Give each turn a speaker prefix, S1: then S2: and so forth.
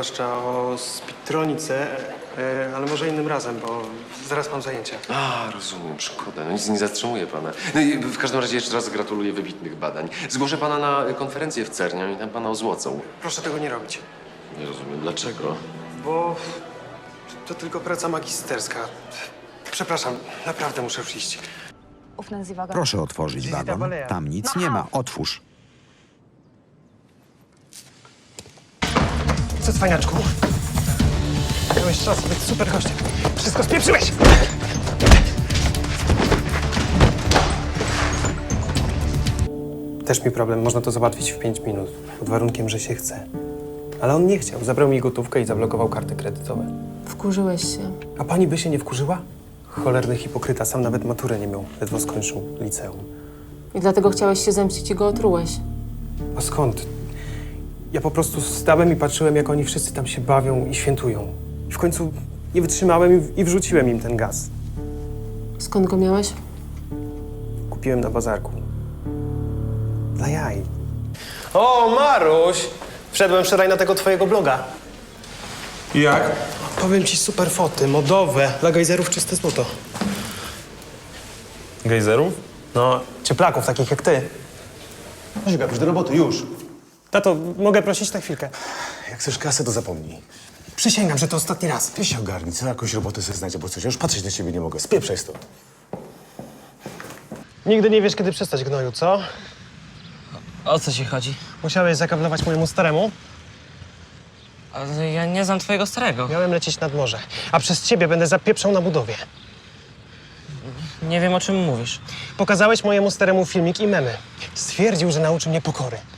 S1: zwłaszcza o spiktronice, ale może innym razem, bo zaraz mam zajęcia.
S2: A, rozumiem, szkoda. No nic nie zatrzymuje pana. No i w każdym razie jeszcze raz gratuluję wybitnych badań. Zgłoszę pana na konferencję w Cerniu i tam pana ozłocą.
S1: Proszę tego nie robić,
S2: Nie rozumiem, dlaczego?
S1: bo to tylko praca magisterska. Przepraszam, naprawdę muszę już iść.
S3: Proszę otworzyć wagon. Tam nic nie ma. Otwórz.
S1: Co, cwaniaczku? Miałeś czas być super gościem. Wszystko spieprzyłeś! Też mi problem. Można to załatwić w 5 minut. Pod warunkiem, że się chce. Ale on nie chciał. Zabrał mi gotówkę i zablokował karty kredytowe.
S4: Wkurzyłeś się.
S1: A pani by się nie wkurzyła? Cholerny hipokryta. Sam nawet maturę nie miał. Ledwo skończył liceum.
S4: I dlatego chciałeś się zemścić i go otrułeś.
S1: A skąd? Ja po prostu stałem i patrzyłem, jak oni wszyscy tam się bawią i świętują. I w końcu nie wytrzymałem i wrzuciłem im ten gaz.
S4: Skąd go miałeś?
S1: Kupiłem na bazarku. Dla jaj. O, Maruś! Wszedłem wczoraj na tego twojego bloga.
S5: I jak?
S1: Powiem ci, super foty, modowe. Dla gejzerów czyste złoto.
S5: Gejzerów?
S1: No, cieplaków takich jak ty.
S5: Chodź, Gabuś, do roboty, już.
S1: Tato, mogę prosić na chwilkę?
S5: Jak chcesz kasę, to zapomnij.
S1: Przysięgam, że to ostatni raz.
S5: Ty się ogarnij, co jakąś robotę sobie znajdzie, bo coś, ja już patrzeć na ciebie nie mogę. Spieprzaj stąd.
S1: Nigdy nie wiesz, kiedy przestać, gnoju, co?
S6: O co ci chodzi?
S1: Musiałeś zakablować mojemu staremu.
S6: Ale ja nie znam twojego starego.
S1: Miałem lecieć nad morze, a przez ciebie będę zapieprzał na budowie.
S6: Nie wiem, o czym mówisz.
S1: Pokazałeś mojemu staremu filmik i memy. Stwierdził, że nauczy mnie pokory.